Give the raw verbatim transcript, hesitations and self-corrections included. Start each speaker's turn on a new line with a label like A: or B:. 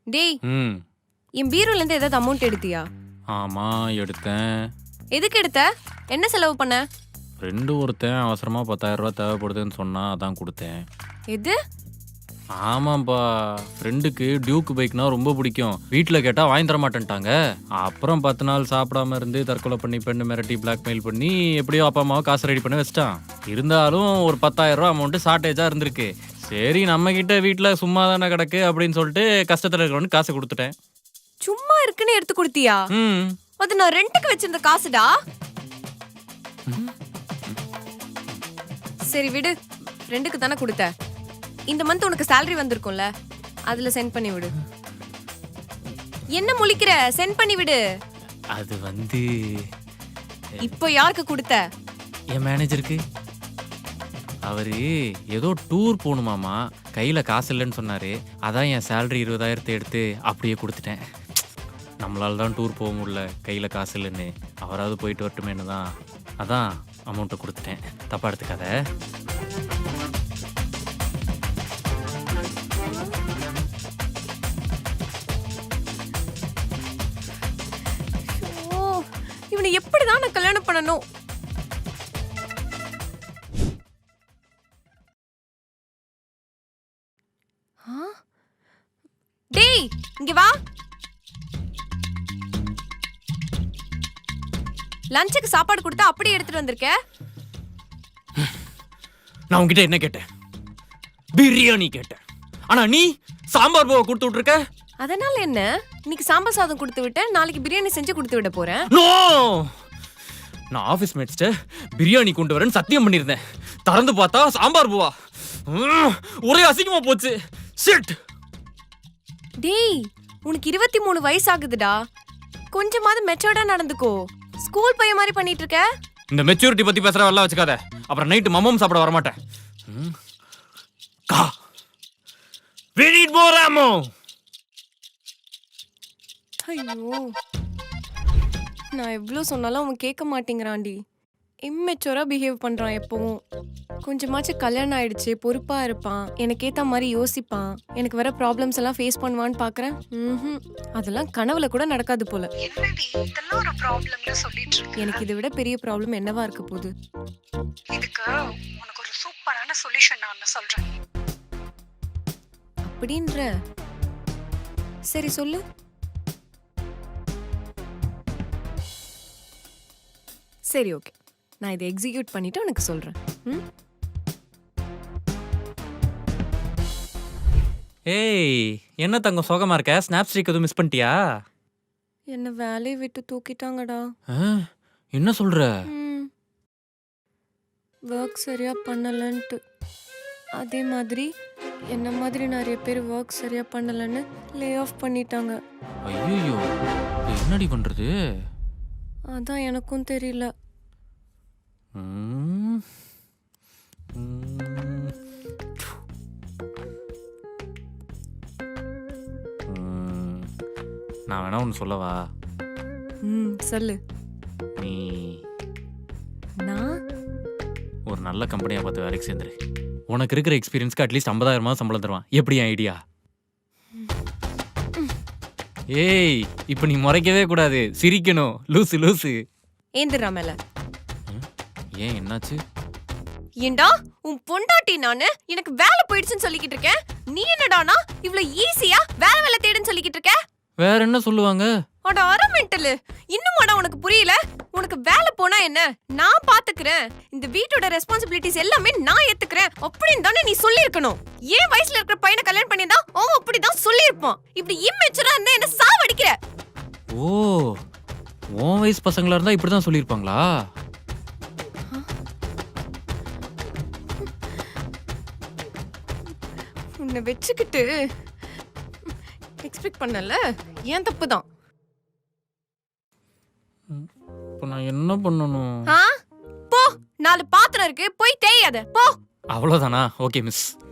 A: டேய்
B: ம்
A: என் பீரோல இருந்து ஏதாவது அமௌண்ட் எடுத்தியா?
B: ஆமா எடுத்தேன்.
A: எதுக்கு எடுத்த? என்ன செலவு பண்ண?
B: ஃப்ரெண்டு ஒருத்தன் அவசரமா பத்தாயிரம் ரூபாய் தேவைப்படுதுன்னு சொன்னா அதான் கொடுத்தேன்.
A: எது?
B: ஆமாப்பா, ஃப்ரெண்டுக்கு டியூக் பைக்னா ரொம்ப பிடிக்கும். வீட்டில் கேட்டால் வாங்கி தர மாட்டேன்ட்டாங்க. அப்புறம் பத்து நாள் சாப்பிடாம இருந்து தற்கொலை பண்ணி பெண்ணு மிரட்டி பிளாக்மெயில் பண்ணி எப்படியோ அப்பா அம்மாவை காசு ரெடி பண்ணி வச்சிட்டான். இருந்தாலும் ஒரு பத்தாயிரம் ரூபா அமௌண்ட்டு ஷார்ட்டேஜாக இருந்திருக்கு. சரி நம்ம கிட்ட வீட்டில் சும்மா தானே கிடக்கு அப்படின்னு சொல்லிட்டு கஷ்டத்தில் இருக்கிறவனுக்கு காசு கொடுத்துட்டேன்.
A: சும்மா இருக்குன்னு எடுத்து கொடுத்தியா?
B: ம்
A: அது நான் ரெண்டுக்கு வச்சிருந்த காசுடா. சரி விடு, ரெண்டுக்கு தானே கொடுத்த. இந்த மந்த் உனக்கு salary வந்திருக்கும்ல, அதுல சென்ட் பண்ணி விடு. என்ன முழிக்கிற? சென்ட் பண்ணி விடு.
B: அது வந்து
A: இப்போ யாருக்கு கொடுத்த?
B: என் மேனேஜருக்கு. அவரு ஏதோ டூர் போகணுமாமா, கையில காசு இல்லைன்னு சொன்னாரு. அதான் என் சேலரி இருபதாயிரத்தை எடுத்து அப்படியே கொடுத்துட்டேன். நம்மளால தான் டூர் போக முடியல, கையில காசு இல்லைன்னு. அவராவது போயிட்டு வரட்டுமேனு தான் அதான் அமௌண்ட்டை கொடுத்துட்டேன். தப்பா எடுத்துக்காத.
A: ஓ, இவனை எப்படிதான் நான் கல்யாணம் பண்ணணும்? ஆ? டேய் இங்க வா. லஞ்சுக்கு சாப்பாடு கொடுத்தா அப்படியே எடுத்துட்டு வந்திருக்க.
B: நான் உங்ககிட்ட என்ன கேட்டேன்? பிரியாணி கேட்டேன். ஆனா நீ சாம்பார் பூவை கொடுத்து விட்டுருக்க.
A: அதனால என்ன? இன்னைக்கு சாம்பார் சாதம் கொடுத்து விட்டேன், நாளைக்கு பிரியாணி செஞ்சு கொடுத்து விட போறேன்.
B: நோ, நான் ஆபீஸ் மேட்ஸ்ட பிரியாணி கொண்டு வரேன்னு சத்தியம் பண்ணியிருந்தேன். திறந்து பார்த்தா சாம்பார் பூவா. உம், ஒரே அசிங்கமா போச்சு. ஷிட்.
A: டேய் உனக்கு இருபத்தி மூணு வயசு ஆகுதுடா. கொஞ்சமாவது மெச்சூர்டா நடந்துக்கோ. ஸ்கூல் பையன் மாதிரி பண்ணிட்டு இருக்க.
B: இந்த மெச்சூரிட்டி பத்தி பேசுற வரல வச்சுக்காத. அப்புறம் நைட்டு மம்மம் சாப்பிட வர மாட்டேன். கா we need more ammo.
A: ஐயோ, நான் எவ்வளோ சொன்னாலும் அவன் கேட்க மாட்டேங்கிறான்டி. இம்மெச்சூரா பிஹேவ் பண்றான் எப்பவும். கொஞ்சமாச்சும் கல்யாணம் ஆயிடுச்சு, பொறுப்பா இருப்பான், எனக்கு ஏத்த மாதிரி யோசிப்பான், எனக்கு வர ப்ராப்ளம்ஸ் எல்லாம் ஃபேஸ் பண்ணுவான்னு பாக்குறேன். ம்ஹும். அதெல்லாம் கனவுல கூட நடக்காது போல.
C: என்னடி இதெல்லாம் ஒரு ப்ராப்ளம்னு சொல்லிட்டு இருக்க?
A: எனக்கு இதை விட பெரிய ப்ராப்ளம் என்னவா இருக்க போகுது?
C: இதுக்கு உனக்கு ஒரு சூப்பரான சொல்யூஷன் நான் சொல்றேன்.
A: அப்படின்ற? சரி சொல்லு. சரி ஓகே, நான் இதை எக்ஸிக்யூட் பண்ணிட்டு உனக்கு சொல்றேன். ம்?
B: ஏய், என்ன தங்கம் சோகமா இருக்க? ஸ்னாப் ஸ்ட்ரீக் எதுவும் மிஸ் பண்ணிட்டியா?
A: என்ன வேலையை விட்டு தூக்கிட்டாங்கடா.
B: ஆ, என்ன சொல்ற?
A: ஒர்க் சரியா பண்ணலன்ட்டு. அதே மாதிரி என்ன மாதிரி நிறைய பேர் ஒர்க் சரியா பண்ணலன்னு லே ஆஃப் பண்ணிட்டாங்க.
B: ஐயோ, என்னடி பண்றது?
A: அதான் எனக்கும் தெரியல.
B: ம், ம், ம். நான் வேணா ஒன்று சொல்லவா?
A: ம் சொல்லு.
B: நீ
A: நான்
B: ஒரு நல்ல கம்பெனியாக பார்த்து வேலைக்கு சேர்ந்துரு. உனக்கு இருக்கிற எக்ஸ்பீரியன்ஸ்க்கு அட்லீஸ்ட் ஐம்பதாயிரமா சம்பளம் தருவான். எப்படி ஐடியா? ஏய், இப்போ நீ முறைக்கவே கூடாது, சிரிக்கணும். லூசு லூசு.
A: ஏந்திரா மேல.
B: ஏன் என்னாச்சு?
A: ஏண்டா உன் பொண்டாட்டி நானு எனக்கு வேலை போயிடுச்சுன்னு சொல்லிக்கிட்டு இருக்கேன். நீ என்னடானா இவ்வளவு ஈஸியா வேலை வேலை தேடுன்னு சொல்லிக்கிட்டு இருக்க?
B: வேற என்ன சொல்லுவாங்க?
A: அட அரை மெண்டலு, இன்னுமாடா உனக்கு புரியல? உனக்கு வேலை போனா என்ன, நான் பாத்துக்கிறேன், இந்த வீட்டோட ரெஸ்பான்சிபிலிட்டிஸ் எல்லாமே நான் ஏத்துக்கிறேன் அப்படின்னு தானே நீ சொல்லியிருக்கணும். ஏன் வயசுல இருக்கிற பையனை கல்யாணம் பண்ணியிருந்தா அவன் அப்படிதான் சொல்லியிருப்பான். இப்படி இம்மெச்சூரா இருந்தா என்ன சாவடிக்கிற?
B: ஓ, உன் வயசு பசங்களா இருந்தா இப்படிதான் சொல்லியிருப்பாங்களா?
A: உன்னை வச்சுக்கிட்டு எக்ஸ்பெக்ட் பண்ணல, ஏன் தப்பு தான்.
B: இப்போ நான் என்ன பண்ணணும்?
A: ஆ? போ, நாலு பாத்திரம் இருக்கு, போய் தேயாத போ.
B: அவ்வளோதானா? Okay miss.